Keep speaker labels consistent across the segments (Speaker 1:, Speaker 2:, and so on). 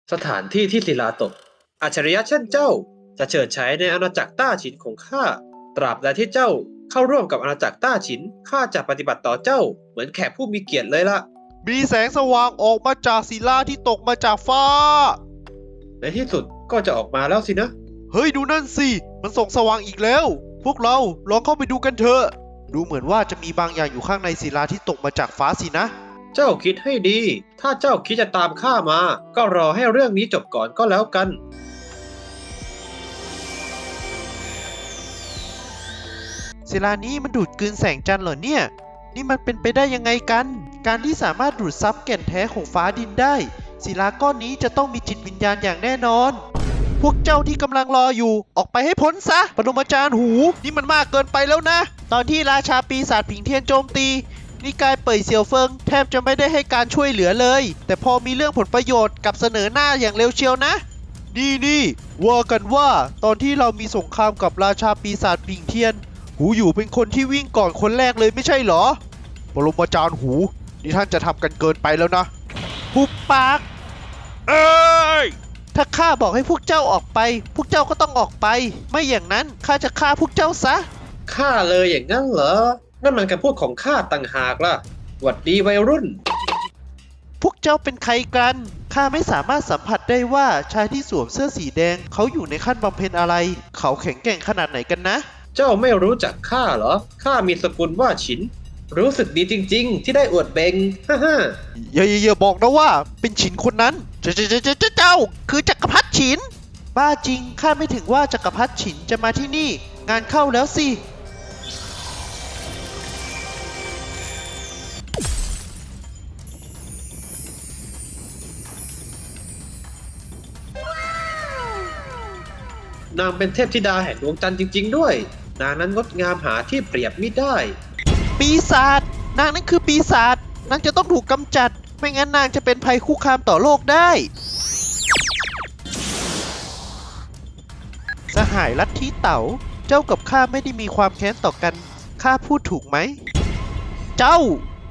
Speaker 1: สถานที่ที่ศิลาตกอัจฉริยะเช่นเจ้าจะเฉิดฉายในอาณาจักรต้าฉินของข้าตราบใดที่เจ้าเข้าร่วมกับอาณาจักรต้าฉินข้าจะปฏิบัติต่อเจ้าเหมือนแขกผู้มีเกียรติเลยล่ะ
Speaker 2: มีแสงสว่างออกมาจากศิลาที่ตกมาจากฟ้า
Speaker 1: ในที่สุดก็จะออกมาแล้วสินะ
Speaker 2: เฮ้ยดูนั่นสิ มันส่องสว่างอีกแล้ว พวกเราลองเข้าไปดูกันเถอะ ดูเหมือนว่าจะมีบางอย่างอยู่ข้างในศิลาที่ตกมาจากฟ้าสินะ
Speaker 1: เจ้าคิดให้ดี ถ้าเจ้าคิดจะตามข้ามา ก็รอให้เรื่องนี้จบก่อนก็แล้วกัน
Speaker 2: ศิลานี้มันดูดกลืนแสงจันทร์เหรอเนี่ย นี่มันเป็นไปได้ยังไงกัน การที่สามารถดูดซับแก่นแท้ของฟ้าดินได้ ศิลาก้อนนี้จะต้องมีจิตวิญญาณอย่างแน่นอน พวกเจ้าที่กำลังรออยู่ ออกไปให้พ้นซะ ปรมาจารย์หู นี่มันมากเกินไปแล้วนะ ตอนที่ราชาปีศาจผิงเทียนโจมตี นิกายเป่ยเสี่ยวเฟิงแทบจะไม่ได้ให้การช่วยเหลือเลย แต่พอมีเรื่องผลประโยชน์กับเสนอหน้าอย่างเร็วเชียวนะ นี่ว่ากันว่าตอนที่เรามีสงครามกับราชาปีศาจผิงเทียน หูอยู่เป็นคนที่วิ่งก่อนคนแรกเลยไม่ใช่เหรอ ปรมาจารย์หู นี่ท่านจะทำกันเกินไปแล้วนะหุบปาก เอ้ย ถ้าข้าบอกให้พวกเจ้าออกไป พวกเจ้าก็ต้องออกไป ไม่อย่างนั้นข้าจะฆ่าพวกเจ้าซะ
Speaker 1: ข้าเลยอย่างนั้นเหรอ นั่นมันคำพูดของข้าต่างหากล่ะหวัดดีวัยรุ่น
Speaker 2: พวกเจ้าเป็นใครกัน ข้าไม่สามารถสัมผัสได้ว่าชายที่สวมเสื้อสีแดงเขาอยู่ในขั้นบำเพ็ญอะไร เขาแข็งแกร่งขนาดไหนกันนะ
Speaker 1: เจ้าไม่รู้จักข้าเหรอ ข้ามีสกุลว่าฉิน รู้สึกดีจริงๆ ที่ได้อวดเบงฮ่าฮ่า
Speaker 2: อย่าบอกนะว่าเป็นฉินคนนั้น เจ้าคือจักรพรรดิฉิน บ้าจริงข้าไม่ถึงว่าจักรพรรดิฉินจะมาที่นี่ งานเข้าแล้วสิ
Speaker 1: นางเป็นเทพธิดาแห่งดวงจันทร์จริงๆด้วย นางนั้นงดงามหาที่เปรียบมิได้
Speaker 2: ปีศาจนางนั่นคือปีศาจนางจะต้องถูกกำจัด ไม่งั้นนางจะเป็นภัยคุกคามต่อโลกได้ สหายลัทธิเต๋าเจ้ากับข้าไม่ได้มีความแค้นต่อกันข้าพูดถูกไหม เจ้า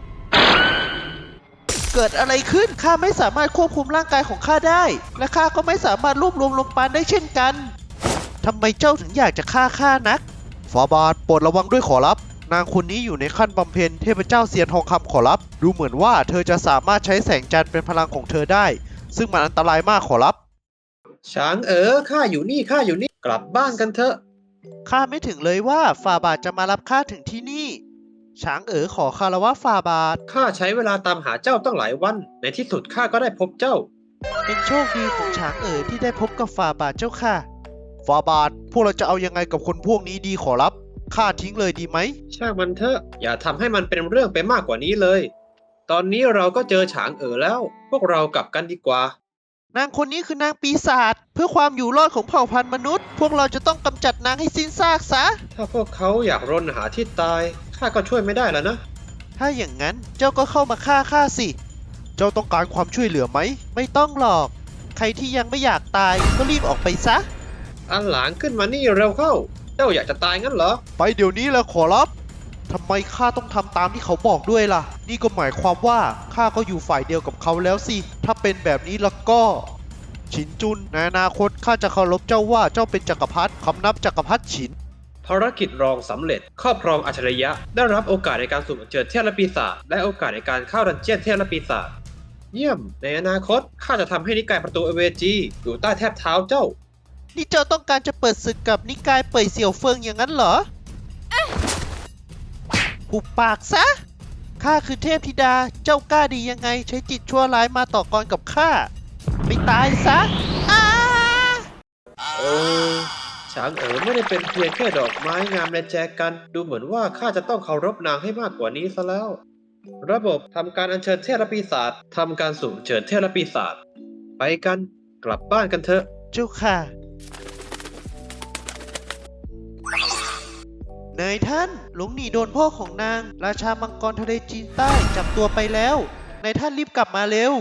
Speaker 2: เกิดอะไรขึ้นข้าไม่สามารถควบคุมร่างกายของข้าได้ และข้าก็ไม่สามารถรวบรวมลมปราณได้เช่นกันทำไมเจ้าถึงอยากจะฆ่าข้านักฟาบาทโปรดระวังด้วยขอรับ นางคนนี้อยู่ในขั้นบำเพ็ญเทพเจ้าเซียนทองคำขอรับ ดูเหมือนว่าเธอจะสามารถใช้แสงจันทร์เป็นพลังของเธอได้ ซึ่งมันอันตรายมากขอรับ
Speaker 1: ช้างข้าอยู่นี่ กลับบ้านกันเถอะ
Speaker 2: ข้าไม่ถึงเลยว่าฝ่าบาทจะมารับข้าถึงที่นี่ ช้างขอคารวะฝ่าบาท
Speaker 1: ข้าใช้เวลาตามหาเจ้าตั้งหลายวัน ในที่สุดข้าก็ได้พบเจ้า
Speaker 2: เป็นโชคดีของช้างที่ได้พบกับฝ่าบาทเจ้าค่ะ ฝ่าบาทพวกเราจะเอายังไงกับคนพวกนี้ดีขอรับ ข้าทิ้งเลยดีไหม
Speaker 1: ช่างมันเถอะ อย่าทำให้มันเป็นเรื่องไปมากกว่านี้เลย ตอนนี้เราก็เจอฉางแล้ว พวกเรากลับกันดีกว่า
Speaker 2: นางคนนี้คือนางปีศาจเพื่อความอยู่รอดของเผ่าพันธุ์มนุษย์ พวกเราจะต้องกำจัดนางให้สิ้นซากซะ
Speaker 1: ถ้าพวกเขาอยากรนหาที่ตาย ข้าก็ช่วยไม่ได้แล้วนะ
Speaker 2: ถ้าอย่างนั้นเจ้าก็เข้ามาฆ่าข้าสิ เจ้าต้องการความช่วยเหลือไหม ไม่ต้องหรอก ใครที่ยังไม่อยากตายก็รีบออกไปซะ
Speaker 1: อันหลางขึ้นมานี่เร็วเข้า เจ้าอยากจะตายงั้นเหรอ
Speaker 2: ไปเดี๋ยวนี้แหละขอรับทำไมข้าต้องทำตามที่เขาบอกด้วยล่ะ นี่ก็หมายความว่าข้าก็อยู่ฝ่ายเดียวกับเขาแล้วสิ ถ้าเป็นแบบนี้แล้วก็ ฉินจุนในอนาคตข้าจะเคารพเจ้าว่าเจ้าเป็นจักรพรรดิคำนับจักรพรรดิฉิน
Speaker 1: ภารกิจรองสำเร็จ ครอบครองอัจฉริยะ ได้รับโอกาสในการสุ่มเชิญเทพและปีศาจและโอกาสในการเข้าดันเจียนเทพและปีศาจ เยี่ยม ในอนาคตข้าจะทำให้นิกายประตูเอเวจีอยู่ใต้แทบเท้าเจ้า
Speaker 2: นี่เจ้าต้องการจะเปิดศึกกับนิกายเป่ยเสี่ยวเฟิงอย่างนั้นเหรอหุบปากซะ ข้าคือเทพธิดา เจ้ากล้าดียังไงใช้จิตชั่วร้ายมาต่อกรกับข้า ไม่ตายซะอ้า
Speaker 1: ช้างไม่ได้เป็นเพียงแค่ดอกไม้งามในแจกัน ดูเหมือนว่าข้าจะต้องเคารพนางให้มากกว่านี้ซะแล้ว ระบบทำการอัญเชิญเทพและปีศาจทำการสุ่มเชิญเทพและปีศาจไปกันกลับบ้านกันเถอะ
Speaker 2: เจ้าค่ะนายท่านหลงหนีโดนพ่อของนาง ราชามังกรทะเลจีนใต้จับตัวไปแล้วนายท่านรีบกลับมาเร็ว